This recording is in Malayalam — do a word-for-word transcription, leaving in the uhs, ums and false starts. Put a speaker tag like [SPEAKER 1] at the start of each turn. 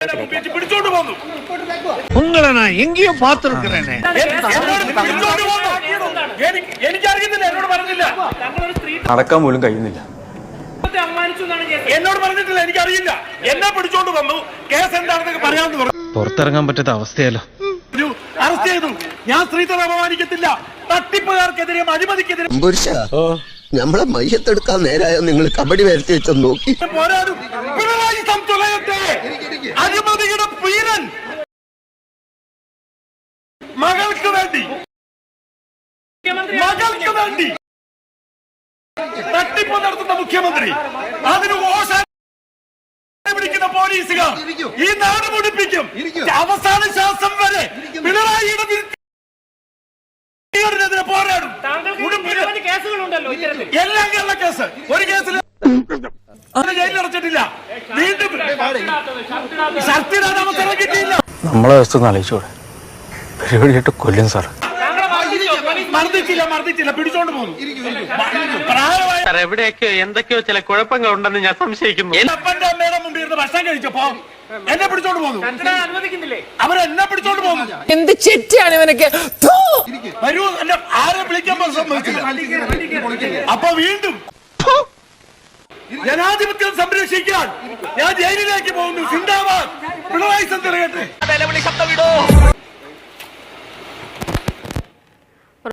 [SPEAKER 1] உங்களை நான் எங்கேயும் பார்த்திருக்கிறேன்.
[SPEAKER 2] നടക്കാൻ പോലും കഴിയുന്നില്ല.
[SPEAKER 3] എന്നോട് പറഞ്ഞിട്ടില്ല, എനിക്കറിയില്ല. എന്നെ പിടിച്ചോണ്ട് വന്നു, കേസ് എന്താണെന്നൊക്കെ പറയാമെന്ന് പറഞ്ഞു.
[SPEAKER 2] പുറത്തിറങ്ങാൻ പറ്റാത്ത അവസ്ഥയല്ലോ.
[SPEAKER 3] അറസ്റ്റ് ചെയ്തു. ഞാൻ സ്ത്രീത്വം അപമാനിക്കത്തില്ല. തട്ടിപ്പുകാർക്കെതിരെയും അഴിമതിക്കെതിരെ
[SPEAKER 4] നമ്മളെ മയ്യത്തെടുക്കാൻ നേരായ നിങ്ങൾ കബഡി വരുത്തി വെച്ചോ നോക്കി
[SPEAKER 3] പോരാടും. പിണറായി സംതുലയത്തെ അഴിമതിയുടെ പീരൻ മകൾക്ക് വേണ്ടി മകൾക്ക് വേണ്ടി തട്ടിപ്പ് നടത്തുന്ന മുഖ്യമന്ത്രി, അതിന് ഓശാന പിടിക്കുന്ന പോലീസുകാർ ഈ നാട് മുടിപ്പിക്കും. അവസാന ശ്വാസം വരെ പിണറായിയുടെ ിനെതിരെ പോരാടും. എല്ലാം കേരള കേസ്. ഒരു കേസിൽ ജയിലിലടച്ചിട്ടില്ല. വീണ്ടും ശക്തിരാൻ അവസരം കിട്ടിയില്ല.
[SPEAKER 2] നമ്മളെ അവസ്ഥ ഒന്ന് ആലോചിച്ചൂടെ? പരിപാടിയായിട്ട് കൊല്ലും സാർ.
[SPEAKER 3] മർദ്ദിച്ചില്ല മർദ്ദിച്ചില്ല പിടിച്ചോണ്ട് പോകുന്നു.
[SPEAKER 5] എവിടെയൊക്കെ എന്തൊക്കെയോ ചില കുഴപ്പങ്ങൾ ഉണ്ടെന്ന് ഞാൻ സംശയിക്കുന്നു.
[SPEAKER 3] അപ്പന്റെ അമ്മയുടെ മുമ്പിൽ ഇരുന്ന് ഭക്ഷണം കഴിച്ചപ്പോ എന്നെ പിടിച്ചോണ്ട് പോകുന്നു. അവരെന്നെ പിടിച്ചോണ്ട് പോകുന്നു.
[SPEAKER 6] എന്ത് ചെറ്റിയാണ് ഇവനൊക്കെ?
[SPEAKER 3] വരൂ, എന്നെ ആരെ വിളിക്കാൻ സമ്മതിച്ചില്ല. അപ്പൊ വീണ്ടും ജനാധിപത്യം സംരക്ഷിക്കാൻ ഞാൻ ജയിലിലേക്ക് പോകുന്നു. സിന്ദാബാദ് പിണറായി സംതൃപ്തി.